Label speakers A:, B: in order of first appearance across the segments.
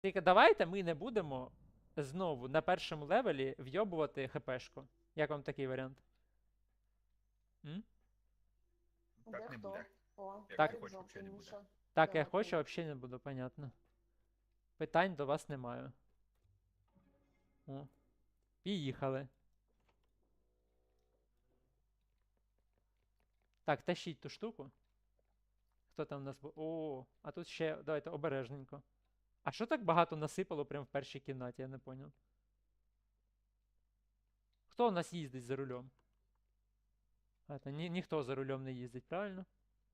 A: Тільки давайте ми не будемо знову на першому левелі вйобувати хпшку. Як вам такий варіант? М?
B: Так не
C: Де хто?
B: буде.
C: О,
B: Як
A: Так.
B: ти
C: Ярик
B: хочеш,
C: жовтий,
B: взагалі не буде.
C: Міша.
A: Так, я
C: Давай,
A: хочу,
C: поїхали.
A: взагалі не буду, понятно. Питань до вас немає. О. Поїхали. Так, тащіть ту штуку. Хто там у нас був? О, а тут ще, давайте, обережненько. А що так багато насипало прямо в першій кімнаті, я не поняв. Хто у нас їздить за рулем? Ніхто за рулем не їздить, правильно?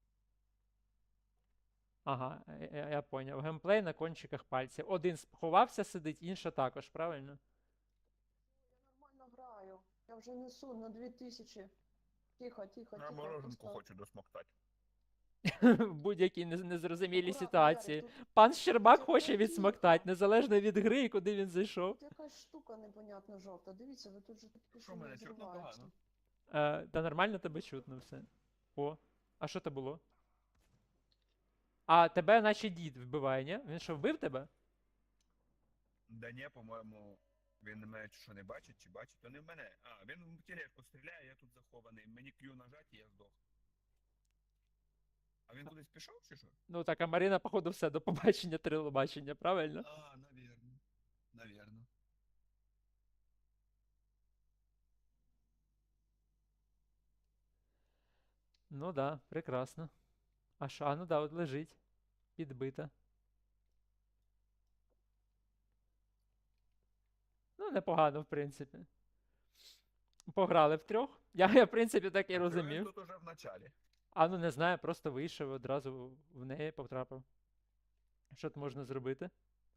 A: Ага, я поняв. Геймплей на кончиках пальців. Один сховався, сидить, інша також, правильно?
C: Я нормально граю. Я вже несу на 2000. Тихо, тихо,
B: На
C: тихо.
B: мороженку
C: просто-
B: хочу досмоктати.
A: В будь-якій незрозумілій
C: Акуратно,
A: ситуації.
C: Ярик, тут-
A: Пан Щербак
C: Це
A: хоче
C: тихо.
A: відсмоктати, незалежно від гри і куди він зайшов.
C: Тут якась штука непонятна жовта. Дивіться, ви тут же такі
B: Що, мене чутно погано?
A: Та нормально тебе чутно все. О, а що це було? А тебе наче дід вбиває, ні? Він що, вбив тебе?
B: Да ні, по-моєму, він мене чи що не бачить, чи бачить, то не в мене. А, він в тележку стріляє, я тут захований. Мені Q нажать і я здох. А він кудись пішов чи що?
A: Ну так, а Марина, походу, все, до побачення, телебачення, правильно?
B: А, навірно. Навірно.
A: Ну да, прекрасно. А що? А ну да, от лежить. Підбита. Ну, непогано, в принципі. Пограли втрьох. Я, в принципі, так і
B: Він
A: розумів.
B: тут уже в началі.
A: А ну не знаю, просто вийшов одразу в неї потрапив. Що тут можна зробити?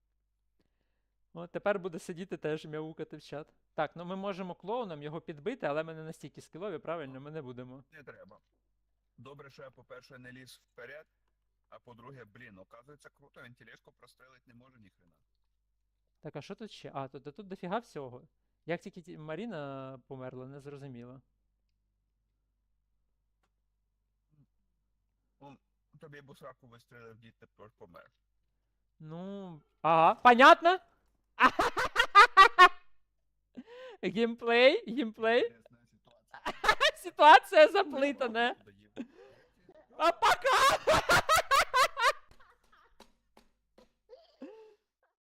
A: От тепер буде сидіти теж мяукати в чат. Так, ну ми можемо клоуном його підбити, але ми не настільки скілові, правильно? Ми не будемо.
B: Не треба. Добре, що я, по-перше, не ліз вперед, а по-друге, блін, оказується круто, він тележку прострелить не може ніхрена.
A: Так, а що тут ще? А, тут дофіга всього. Як тільки Маріна померла, не зрозуміло.
B: Ну, тобі бусраку вистрелив, дід тепер помер.
A: Ну. Ага, понятно? Геймплей, геймплей.
B: Інтересна ситуація.
A: Ситуація заплитана.
B: Доїв.
A: А пока!